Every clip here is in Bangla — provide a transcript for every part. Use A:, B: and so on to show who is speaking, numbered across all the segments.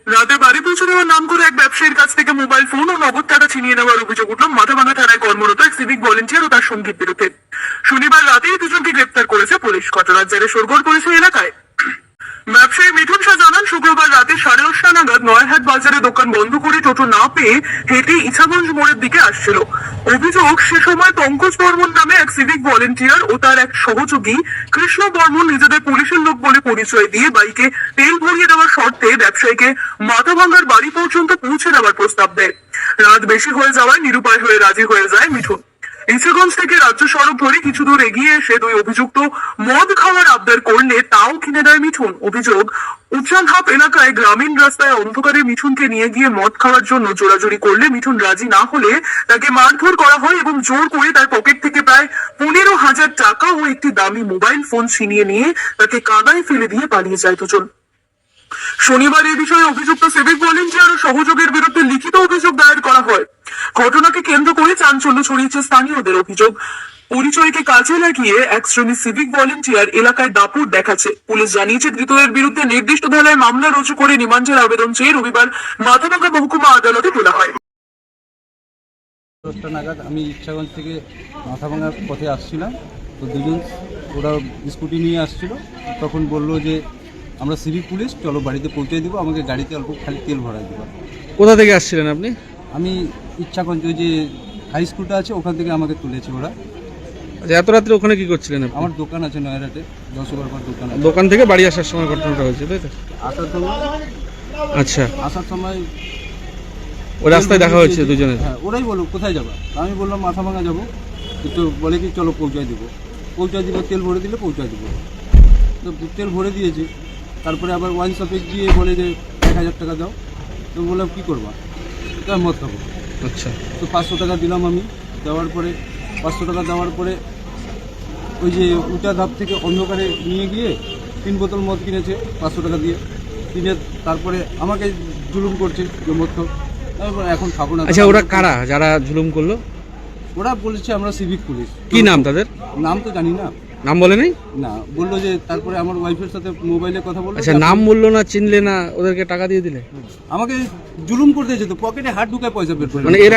A: রাতে বাড়ি পৌঁছে দেওয়ার নাম করে এক ব্যবসায়ীর কাছ থেকে মোবাইল ফোন ও নগদ টাকা ছিনিয়ে নেওয়ার অভিযোগ উঠল মাথাভাঙা থানায় কর্মরত এক সিভিক ভলেন্টিয়ার ও তার সঙ্গীর বিরুদ্ধে। শনিবার রাতেই দুজনকে গ্রেপ্তার করেছে পুলিশ। ঘটনার জেরে শোরগোল পড়েছে এলাকায়। ব্যবসায়ী মিঠুন শাহ জানান, শুক্রবার রাতে 8:30 নাগাদ নয়াহাট বাজারে দোকান বন্ধ করে টোটো না পেয়ে হেঁটে ইছাগঞ্জ মোড়ের দিকে আসছিল। অভিযোগ, সে সময় পঙ্কজ বর্মন নামে এক সিভিক ভলেন্টিয়ার ও তার এক সহযোগী কৃষ্ণ বর্মন নিজেদের পুলিশের লোক বলে পরিচয় দিয়ে বাইকে তেল ভরিয়ে দেওয়ার শর্তে ব্যবসায়ীকে মাথাভাঙার বাড়ি পর্যন্ত পৌঁছে দেওয়ার প্রস্তাব দেয়। রাত বেশি হয়ে যাওয়ায় নিরুপায় হয়ে রাজি হয়ে যায় মিঠুন। ইছাগঞ্জ থেকে রাজ্য সড়ক ধরে কিছু দূর এগিয়ে এসে দুই অভিযুক্ত মদ খাওয়ার আবদার করলে তাও কিনে দেয় মিঠুন। অভিযোগ, উচ্চানহাপ এলাকায় গ্রামীণ রাস্তায় অন্ধকারে মিঠুনকে নিয়ে গিয়ে মদ খাওয়ার জন্য জোরাজুরি করলে মিঠুন রাজি না হলে তাকে মারধর করা হয় এবং জোর করে তার পকেট থেকে প্রায় 15,000 টাকা ও একটি দামি মোবাইল ফোন ছিনিয়ে নিয়ে তাকে কাদায় ফেলে দিয়ে পালিয়ে যায় দুজন। শনিবার এই বিষয়ে অভিযুক্ত সিভিক ভলেন্টিয়ার ও সহযোগের বিরুদ্ধে লিখিত অভিযোগ দায়ের করা হয়। ঘটনাকে কেন্দ্র করে চাঞ্চল্য ছড়িয়েছে স্থানীয়দের। অভিযোগ, পরিচয়কে কাজে লাগিয়ে এক শ্রেণীর সিভিক ভলেন্টিয়ার এলাকায় দাপট দেখাচ্ছে। পুলিশ জানিয়েছে, ধৃতদের বিরুদ্ধে নির্দিষ্ট ধারায় মামলা রুজু করে রিমান্ডের আবেদন চেয়ে রবিবার মাথাভাঙা মহকুমা আদালতে তোলা হয়।
B: 10টা নাগাদ আমি ইচ্ছাগঞ্জ থেকে মাথাভাঙার পথে আসছিলাম, তো দুজন ওরা স্কুটি নিয়ে আসছিল। তখন বললো যে আমরা সিভিক পুলিশ, চলো বাড়িতে পৌঁছে দিব, আমাকে গাড়িতে অল্প খালি তেল ভরাই দেবো।
C: কোথা থেকে আসছিলেন আপনি?
B: আমি ইচ্ছাগঞ্জ ওই যে হাই স্কুলটা আছে ওখান থেকে আমাকে তুলেছে ওরা।
C: আচ্ছা, এত রাত্রে ওখানে কি করছিলেন আপনি?
B: আমার দোকান আছে নয়ারহাটে, 10-12 দোকান আছে।
C: দোকান থেকে বাড়ি আসার সময় ঘটনাটা হয়েছে, তাই তো?
B: আসার সময়
C: আচ্ছা,
B: আসার সময়
C: ওই রাস্তায় দেখা হয়েছে দুজনের?
B: হ্যাঁ, ওরাই বললো কোথায় যাবা, আমি বললাম মাথাভাঙা যাবো। তো বলে কি চলো পৌঁছায় দিব, তেল ভরে দিলে পৌঁছায় দিব। তো তেল ভরে দিয়েছি। তারপরে আবার ওয়াইন শপে গিয়ে বলে যে 1,000 টাকা দাও। তো বললাম কী করবা, তো মদ খাবো।
C: আচ্ছা,
B: তো 500 টাকা দিলাম আমি। দেওয়ার পরে 500 টাকা দেওয়ার পরে ওই যে উঁচা ধাপ থেকে অন্ধকারে নিয়ে গিয়ে 3 বোতল মদ কিনেছে 500 টাকা দিয়ে। কিনে তারপরে আমাকে জুলুম করছে যে মদ খাও। তারপর এখন খাবো না।
C: আচ্ছা, ওরা কারা যারা জুলুম করলো?
B: ওরা বলেছে আমরা সিভিক পুলিশ।
C: কি নাম তাদের?
B: নাম তো জানি না।
C: নাম বলে নাই?
B: না, বললো যে তারপরে আমার ওয়াইফের সাথে মোবাইলে কথা বললো।
C: আচ্ছা, নাম বললো না, চিনলে না, ওদেরকে টাকা দিয়ে দিলে?
B: আমাকে জুলুম করে দিয়েছে, তো পকেটে হাত ঢুকায় পয়সা বের করে।
C: মানে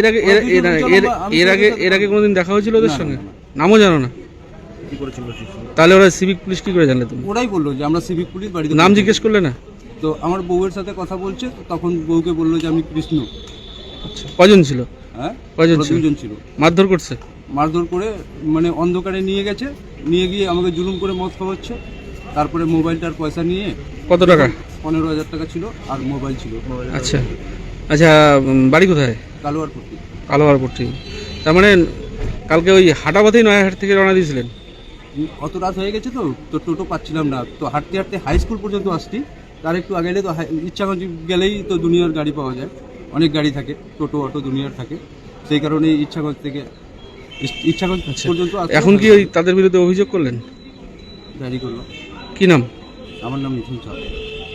C: এর আগে কোনোদিন দেখা হয়েছিল ওদের সঙ্গে? নামও জানো না? তাহলে ওরা সিভিক পুলিশ কি করে জানলে তুমি?
B: ওরাই বললো যে আমরা সিভিক পুলিশ। বাড়িতে
C: নাম জিজ্ঞেস করলে না?
B: তো আমার বউয়ের সাথে কথা বলছে, তখন বউকে বললো যে আমি কৃষ্ণ।
C: আচ্ছা, কজন ছিল?
B: হ্যাঁ,
C: কজন ছিল?
B: 2 জন ছিল।
C: মারধর করছে?
B: মারধর করে মানে অন্ধকারে নিয়ে গেছে, নিয়ে গিয়ে আমাকে জুলুম করে মদ খাওয়াচ্ছে। তারপরে মোবাইলটার পয়সা নিয়ে।
C: কত টাকা?
B: 15,000 টাকা ছিল আর মোবাইল ছিল।
C: আচ্ছা আচ্ছা, বাড়ি কোথায়?
B: কালোয়ারপট্টি।
C: কালোয়ারপট্টি। তার মানে কালকে ওই হাটাপথেই নয়াহাট থেকে রওনা দিয়েছিলেন?
B: অত রাত হয়ে গেছে তো টোটো পাচ্ছিলাম না, তো হাঁটতে হাঁটতে হাই স্কুল পর্যন্ত আসছি। তার একটু আগে এলে তো ইচ্ছাগঞ্জ গেলেই তো দুনিয়ার গাড়ি পাওয়া যায়, অনেক গাড়ি থাকে, টোটো অটো দুনিয়ার থাকে। সেই কারণে ইচ্ছাগঞ্জ পর্যন্ত।
C: এখন কি ওই তাদের বিরুদ্ধে অভিযোগ করলেন?
B: ডায়েরি করলো।
C: কি নাম?
B: আমার নাম মিঠুন শাহ।